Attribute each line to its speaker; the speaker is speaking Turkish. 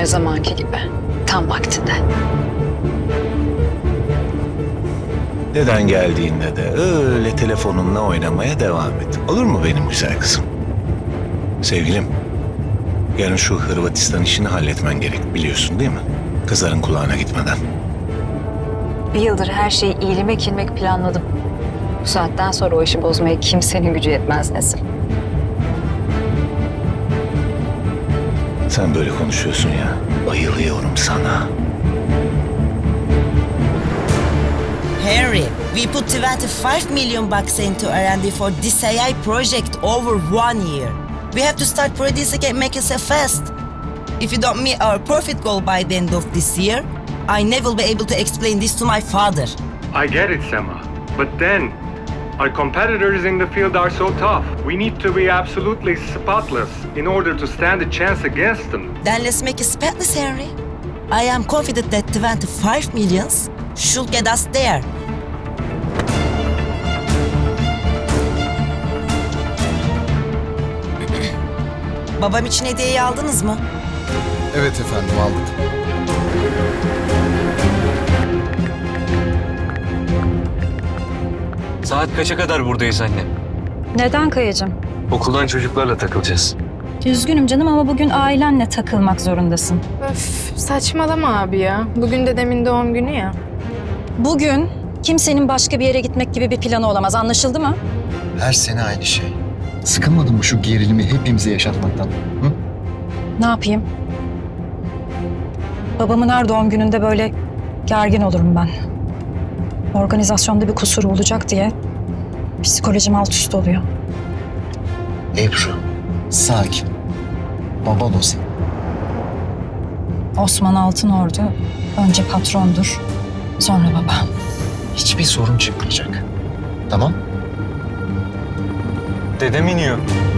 Speaker 1: Her zamanki gibi. Tam vaktinde.
Speaker 2: Neden geldiğinde de öyle telefonunla oynamaya devam et. Olur mu benim güzel kızım? Sevgilim, yarın şu Hırvatistan işini halletmen gerek, biliyorsun değil mi? Kızların kulağına gitmeden.
Speaker 1: Bir yıldır her şeyi ilmek ilmek planladım. Bu saatten sonra o işi bozmaya kimsenin gücü yetmez Nesin.
Speaker 2: Sen böyle konuşuyorsun ya, bayılıyorum sana.
Speaker 3: Henry, we put 25 million bucks into R&D for this AI project over 1 year. We have to start producing and make it fast. If you don't meet our profit goal by the end of this year, I never will be able to explain this to my father.
Speaker 4: I get it, Sema. But then, our competitors in the field are so tough. We need to be absolutely spotless in order to stand a chance against them.
Speaker 3: Then let's make it spotless, Henry. I am confident that 25 millions should get us there. Babam için hediyeyi aldınız mı?
Speaker 5: Evet efendim, aldık.
Speaker 6: Saat kaça kadar buradayız anne?
Speaker 7: Neden Kayacığım?
Speaker 6: Okuldan çocuklarla takılacağız.
Speaker 7: Üzgünüm canım ama bugün ailenle takılmak zorundasın.
Speaker 8: Öf, saçmalama abi ya. Bugün dedemin doğum günü ya.
Speaker 7: Bugün kimsenin başka bir yere gitmek gibi bir planı olamaz. Anlaşıldı mı?
Speaker 5: Her sene aynı şey. Sıkılmadın mı şu gerilimi hepimize yaşatmaktan? Hı?
Speaker 7: Ne yapayım? Babamın her doğum gününde böyle gergin olurum ben. Organizasyonda bir kusur olacak diye psikolojim alt üst oluyor.
Speaker 5: Ebru, sakin. Baban o senin.
Speaker 7: Osman Altınordu önce patrondur, sonra baba.
Speaker 5: Hiçbir sorun çıkmayacak. Tamam?
Speaker 6: Dedem iniyor.